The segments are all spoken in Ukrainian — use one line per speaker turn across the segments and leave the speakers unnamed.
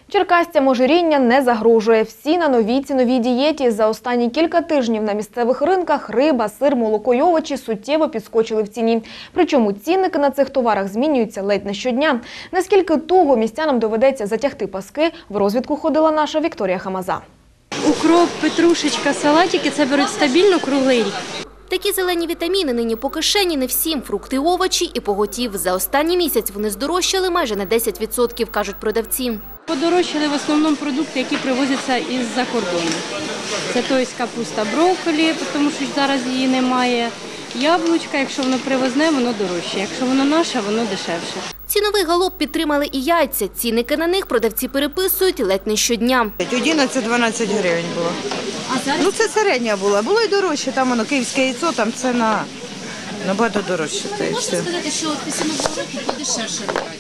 Черкасцям ожиріння не загрожує. Всі на новій ціновій дієті. За останні кілька тижнів на місцевих ринках риба, сир, молоко й овочі суттєво підскочили в ціні. Причому цінники на цих товарах змінюються ледь не щодня. Наскільки туго містянам доведеться затягти паски, в розвідку ходила наша Вікторія Хамаза.
Укроп, петрушечка, салатики – це беруть стабільно круглий рік.
Такі зелені вітаміни нині по кишені не всім. Фрукти, овочі і поготів. За останній місяць вони здорожчали майже на 10%, кажуть продавці.
Подорожчали в основному продукти, які привозяться із-за кордону. Це тобто капуста, брокколі, тому що зараз її немає. Яблучка, якщо воно привозне, воно дорожче. Якщо воно наше, воно дешевше.
Ціновий галоп підтримали і яйця. Цінники на них продавці переписують ледь не щодня.
11-12 гривень було.
А зараз?
Ну це середня була. Було й дорожче, там воно київське яйцо, там це набагато дорожче.
Можна сказати, що після Нового року подешевше робиться?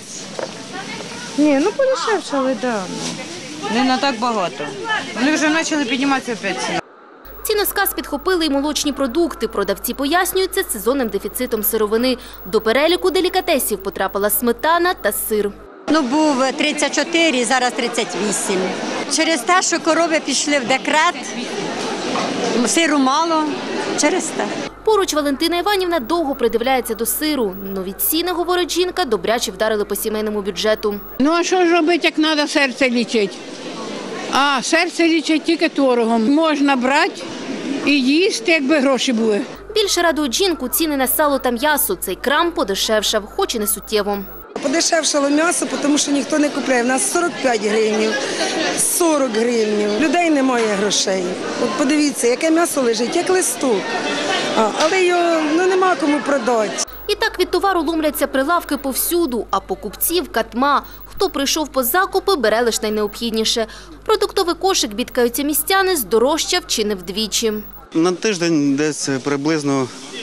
Ні, ну подешевшали, так. Не на так багато. Вони вже почали підніматися опять ціна.
Ціносказ підхопили й молочні продукти. Продавці пояснюють це сезонним дефіцитом сировини. До переліку делікатесів потрапила сметана та сир.
Був 34, зараз 38. Через те, що корови пішли в декрет, сиру мало, через те.
Поруч Валентина Іванівна довго придивляється до сиру. Нові ціни, говорить жінка, добряче вдарили по сімейному бюджету.
Ну а що ж робити, як треба серце лічити? А серце лічить тільки торгом. Можна брати і їсти, якби гроші були.
Більше радують жінку ціни на сало та м'ясо. Цей крам подешевшав, хоч і не суттєво.
Подешевшало м'ясо, тому що ніхто не купляє. У нас 45 гривень, 40 гривень. Людей немає грошей. От подивіться, яке м'ясо лежить, як листок. Але його нема кому продати.
І так від товару ломляться прилавки повсюду, а покупців катма. Хто прийшов по закупи, бере лише найнеобхідніше. Продуктовий кошик, бідкаються містяни, здорожчав чи не вдвічі.
На тиждень десь приблизно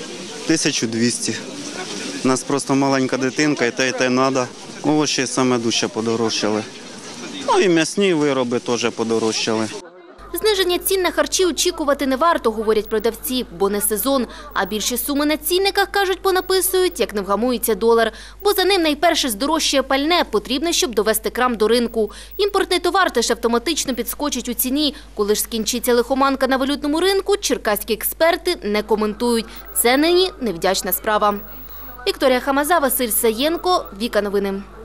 1200. У нас просто маленька дитинка, і те треба. Овочі саме дужче подорожчали. Ну і м'ясні вироби теж подорожчали.
Зниження цін на харчі очікувати не варто, говорять продавці, бо не сезон. А більші суми на цінниках, кажуть, понаписують, як не вгамується долар. Бо за ним найперше здорожчає пальне, потрібне, щоб довести крам до ринку. Імпортний товар теж автоматично підскочить у ціні. Коли ж скінчиться лихоманка на валютному ринку, черкаські експерти не коментують. Це нині невдячна справа. Вікторія Хамаза, Василь Саєнко, Віка Новини.